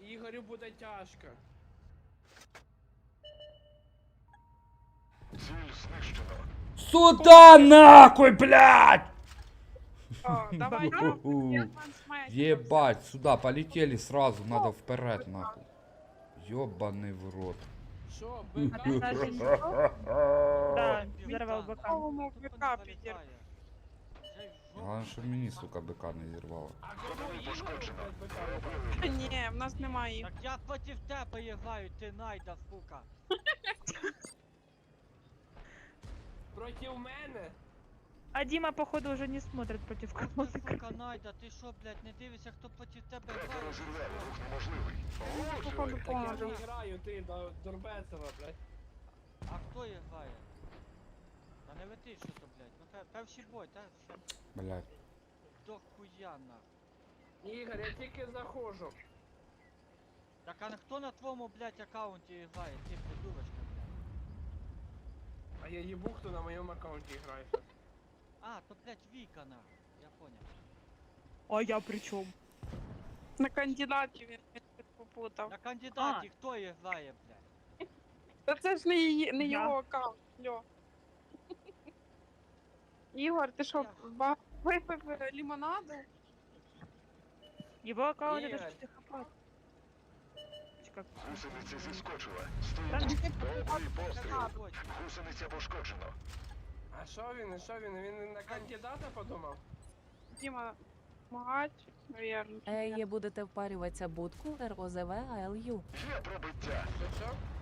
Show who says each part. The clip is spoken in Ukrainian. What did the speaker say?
Speaker 1: Ігорю буде тяжко.
Speaker 2: Ціль знищено.
Speaker 3: Сюда нахуй, блядь!
Speaker 4: О, давай,
Speaker 3: Ебать, сюда полетели сразу, надо вперед нахуй. Ёбаный в рот.
Speaker 1: Що,
Speaker 5: Да, взорвал быка.
Speaker 4: Какому БК підір?
Speaker 3: Главное, що мені, сука, бика не зірвало.
Speaker 1: А кому Ігорю
Speaker 4: Ні, в нас немає їх.
Speaker 6: Так я проти тебе граю, ти найда, сука.
Speaker 1: проти мене?
Speaker 5: А Дима, походу, уже не смотрит против
Speaker 6: От
Speaker 5: кого
Speaker 6: ти,
Speaker 5: ты.
Speaker 6: сука, найда, ти що, блядь, не дивишся, хто проти тебе
Speaker 2: Врага
Speaker 6: грає?
Speaker 2: розірвали, рух неможливий.
Speaker 4: Походу,
Speaker 2: Влучили.
Speaker 1: Так я
Speaker 4: поможу.
Speaker 1: не граю, ти до Дурбецова, блядь.
Speaker 6: А хто їх грає? Та не лети, що то, блядь. Ну, перший бой, та все
Speaker 3: Блядь.
Speaker 6: до хуя, нахуй.
Speaker 1: Ігор, я тільки заходжу.
Speaker 6: Так а хто на твоєму, блядь, аккаунті грає? Ти придурочка, блядь.
Speaker 1: А я їбу, хто на моєму аккаунті грає.
Speaker 6: А, то, блядь, Віка, нахуй. Я понял.
Speaker 5: А я при чем?
Speaker 4: На кандидатів він попутав.
Speaker 6: На кандидаті хто їх грає, блядь?
Speaker 4: Та це ж не
Speaker 5: Я.
Speaker 4: його аккаунт, Льо. Ігор, ти що, випив лимонаду?
Speaker 5: Его аккаунт это
Speaker 1: Игорь.
Speaker 5: же психопат. Как?
Speaker 2: Гусениця зіскочила.
Speaker 5: Там
Speaker 2: Стоїть. Добрий постріл.
Speaker 6: Ось.
Speaker 2: Гусениця пошкоджено.
Speaker 1: А що він, і що він? Він на кандидата подумав?
Speaker 4: Діма, магач, навірно.
Speaker 7: Є будете впарюватися будку РОЗВ АЛЮ.
Speaker 2: Є пробиття.
Speaker 1: Що?